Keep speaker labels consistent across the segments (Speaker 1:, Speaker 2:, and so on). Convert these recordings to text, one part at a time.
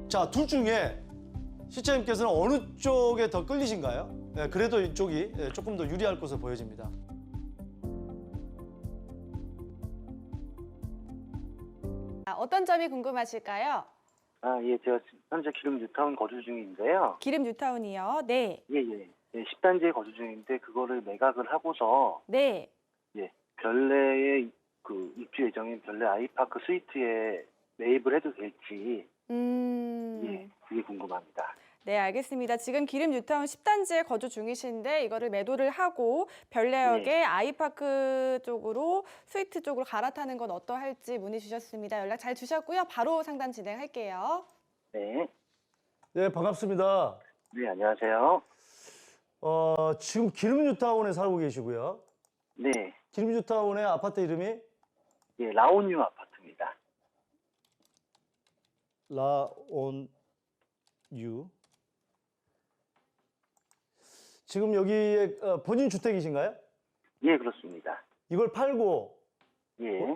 Speaker 1: 자, 둘 중에 시청자님께서는 어느 쪽에 더 끌리신가요? 예, 그래도 이쪽이 조금 더 유리할 것으로 보여집니다.
Speaker 2: 어떤 점이 궁금하실까요?
Speaker 3: 예, 제가 현재 기름 뉴타운 거주 중인데요.
Speaker 2: 기름 뉴타운이요. 네.
Speaker 3: 예, 예. 예, 10단지에 거주 중인데 그거를 매각을 하고서
Speaker 2: 네.
Speaker 3: 예, 별내의 그 입주 예정인 별내 아이파크 스위트에 매입을 해도 될지 예, 그게 궁금합니다.
Speaker 2: 네, 알겠습니다. 지금 기름 뉴타운 10단지에 거주 중이신데 이거를 매도를 하고 별내역의
Speaker 3: 네.
Speaker 2: 아이파크 쪽으로 스위트 쪽으로 갈아타는 건 어떠할지 문의 주셨습니다. 연락 잘 주셨고요. 바로 상담 진행할게요.
Speaker 3: 네.
Speaker 1: 네, 반갑습니다.
Speaker 3: 네, 안녕하세요.
Speaker 1: 지금 기름 뉴타운에 살고 계시고요.
Speaker 3: 네.
Speaker 1: 기름 뉴타운의 아파트 이름이
Speaker 3: 예, 라온유 아파트입니다.
Speaker 1: 라온유. 지금 여기에 본인 주택이신가요?
Speaker 3: 예, 그렇습니다.
Speaker 1: 이걸 팔고
Speaker 3: 예.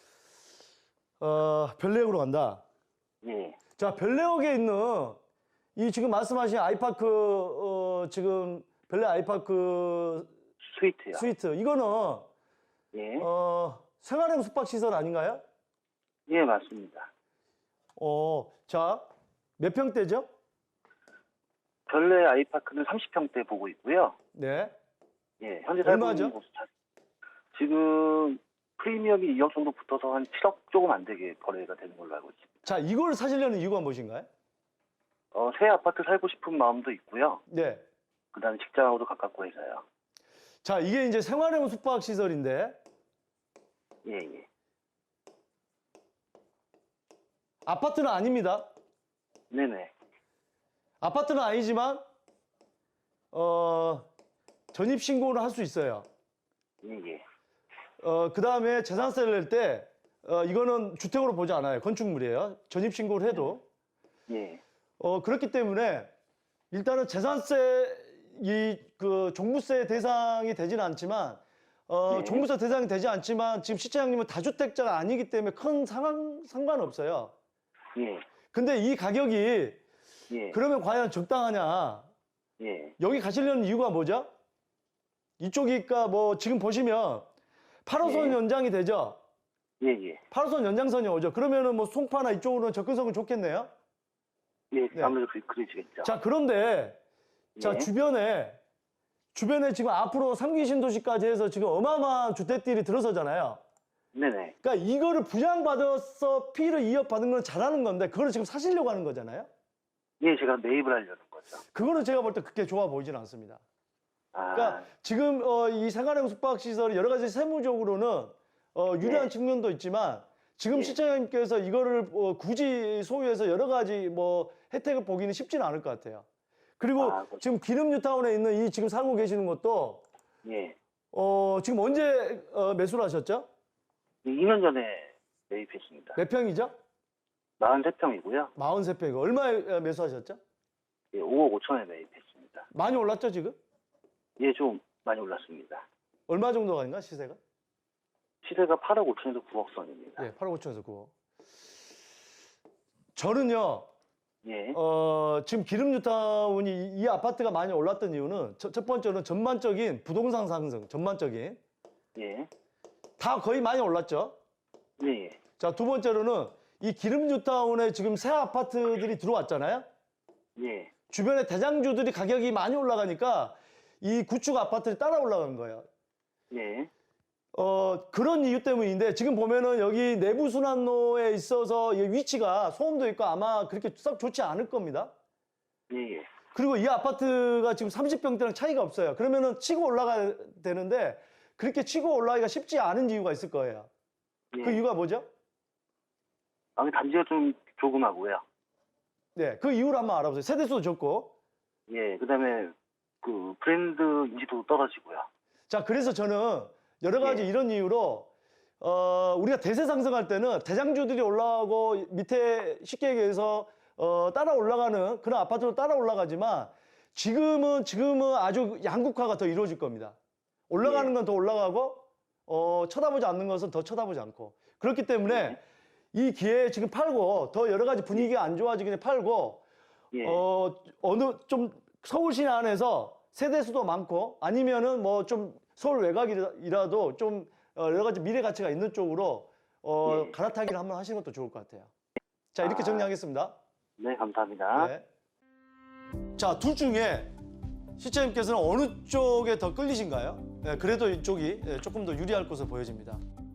Speaker 1: 별내역으로 간다.
Speaker 3: 예.
Speaker 1: 자, 별내역에 있는 이 지금 말씀하신 아이파크 지금 별내 아이파크
Speaker 3: 스위트요.
Speaker 1: 스위트 이거는
Speaker 3: 예.
Speaker 1: 생활형 숙박시설 아닌가요?
Speaker 3: 예, 맞습니다.
Speaker 1: 자, 몇 평대죠?
Speaker 3: 별내 아이파크는 30평대 보고 있고요.
Speaker 1: 네.
Speaker 3: 예, 현재 살고
Speaker 1: 얼마죠?
Speaker 3: 있는 곳은 지금 프리미엄이 2억 정도 붙어서 한 7억 조금 안 되게 거래가 되는 걸로 알고 있습니다.
Speaker 1: 자, 이걸 사시려는 이유가 무엇인가요?
Speaker 3: 새 아파트 살고 싶은 마음도 있고요.
Speaker 1: 네.
Speaker 3: 그다음에 직장하고도 가깝고 해서요.
Speaker 1: 자, 이게 이제 생활형 숙박시설인데
Speaker 3: 예, 예.
Speaker 1: 아파트는 아닙니다.
Speaker 3: 네네.
Speaker 1: 아파트는 아니지만 전입신고를 할 수 있어요.
Speaker 3: 예, 예.
Speaker 1: 그 다음에 재산세를 낼 때 이거는 주택으로 보지 않아요. 건축물이에요. 전입신고를 해도.
Speaker 3: 예.
Speaker 1: 그렇기 때문에 일단은 재산세 그 종부세 대상이 되지는 않지만
Speaker 3: 네.
Speaker 1: 종부세 대상이 되지 않지만 지금 시청자님은 다주택자가 아니기 때문에 큰 상관없어요.
Speaker 3: 예.
Speaker 1: 근데 이 가격이
Speaker 3: 예.
Speaker 1: 그러면 과연 적당하냐?
Speaker 3: 예.
Speaker 1: 여기 가시려는 이유가 뭐죠? 이쪽이니까 뭐 지금 보시면 8호선
Speaker 3: 네.
Speaker 1: 연장이 되죠?
Speaker 3: 예, 예.
Speaker 1: 8호선 연장선이 오죠. 그러면은 뭐 송파나 이쪽으로는 접근성은 좋겠네요.
Speaker 3: 예,
Speaker 1: 네.
Speaker 3: 아무래도 그러시겠죠.
Speaker 1: 자, 그런데 자,
Speaker 3: 예.
Speaker 1: 주변에 지금 앞으로 3기 신도시까지 해서 지금 어마어마한 주택들이 들어서잖아요.
Speaker 3: 네네.
Speaker 1: 그러니까 이거를 분양받아서 피를 이어받은 건 잘하는 건데 그거를 지금 사시려고 하는 거잖아요.
Speaker 3: 예, 제가 매입을 하려는 거죠.
Speaker 1: 그거는 제가 볼 때 그렇게 좋아 보이지는 않습니다. 그러니까 지금 이 생활형 숙박시설이 여러 가지 세무적으로는 유리한
Speaker 3: 네.
Speaker 1: 측면도 있지만 지금
Speaker 3: 네.
Speaker 1: 시청자님께서 이거를 굳이 소유해서 여러 가지 뭐 혜택을 보기는 쉽지는 않을 것 같아요. 그리고
Speaker 3: 그렇죠.
Speaker 1: 지금 기름 뉴타운에 있는 이 지금 살고 계시는 것도
Speaker 3: 예.
Speaker 1: 지금 언제 매수를 하셨죠?
Speaker 3: 2년 전에 매입했습니다.
Speaker 1: 몇 평이죠?
Speaker 3: 43평이고요.
Speaker 1: 43평. 얼마에 매수하셨죠?
Speaker 3: 예, 5억 5천에 매입했습니다.
Speaker 1: 많이 올랐죠, 지금?
Speaker 3: 예, 좀 많이 올랐습니다.
Speaker 1: 얼마 정도 가는가, 시세가?
Speaker 3: 시세가 8억 5천에서 9억 선입니다.
Speaker 1: 네, 8억 5천에서 9억. 저는요,
Speaker 3: 예.
Speaker 1: 지금 기름 뉴타운이 이 아파트가 많이 올랐던 이유는 첫 번째는 전반적인 부동산 상승, 전반적인.
Speaker 3: 예.
Speaker 1: 다 거의 많이 올랐죠.
Speaker 3: 예, 예.
Speaker 1: 자, 두 번째로는 이 기름 뉴타운에 지금 새 아파트들이 들어왔잖아요.
Speaker 3: 예.
Speaker 1: 주변에 대장주들이 가격이 많이 올라가니까 이 구축 아파트들이 따라 올라간 거예요.
Speaker 3: 예.
Speaker 1: 그런 이유 때문인데 지금 보면은 여기 내부 순환로에 있어서 이 위치가 소음도 있고 아마 그렇게 썩 좋지 않을 겁니다.
Speaker 3: 예, 예.
Speaker 1: 그리고 이 아파트가 지금 30평대랑 차이가 없어요. 그러면은 치고 올라가야 되는데 그렇게 치고 올라가기가 쉽지 않은 이유가 있을 거예요.
Speaker 3: 예.
Speaker 1: 그 이유가 뭐죠?
Speaker 3: 단지가 좀 조그마고요.
Speaker 1: 네, 그 이유를 한번 알아보세요. 세대수도 적고.
Speaker 3: 예, 그다음에 그 브랜드 인지도도 떨어지고요.
Speaker 1: 자, 그래서 저는 여러 가지
Speaker 3: 예.
Speaker 1: 이런 이유로 우리가 대세 상승할 때는 대장주들이 올라가고 밑에 쉽게 얘기해서 따라 올라가는 그런 아파트로 따라 올라가지만 지금은 아주 양극화가 더 이루어질 겁니다. 올라가는 건 더 올라가고 쳐다보지 않는 것은 더 쳐다보지 않고 그렇기 때문에 이 기회에 지금 팔고 더 여러 가지 분위기가 안 좋아지기 전에 팔고
Speaker 3: 예.
Speaker 1: 어느 좀 서울 시내 안에서 세대수도 많고 아니면은 뭐 좀 서울 외곽이라도 좀 여러 가지 미래 가치가 있는 쪽으로
Speaker 3: 예.
Speaker 1: 갈아타기를 한번 하시는 것도 좋을 것 같아요. 자, 이렇게 정리하겠습니다.
Speaker 3: 네, 감사합니다.
Speaker 1: 네. 자, 둘 중에 시청자님께서는 어느 쪽에 더 끌리신가요? 네, 그래도 이쪽이 조금 더 유리할 것으로 보여집니다.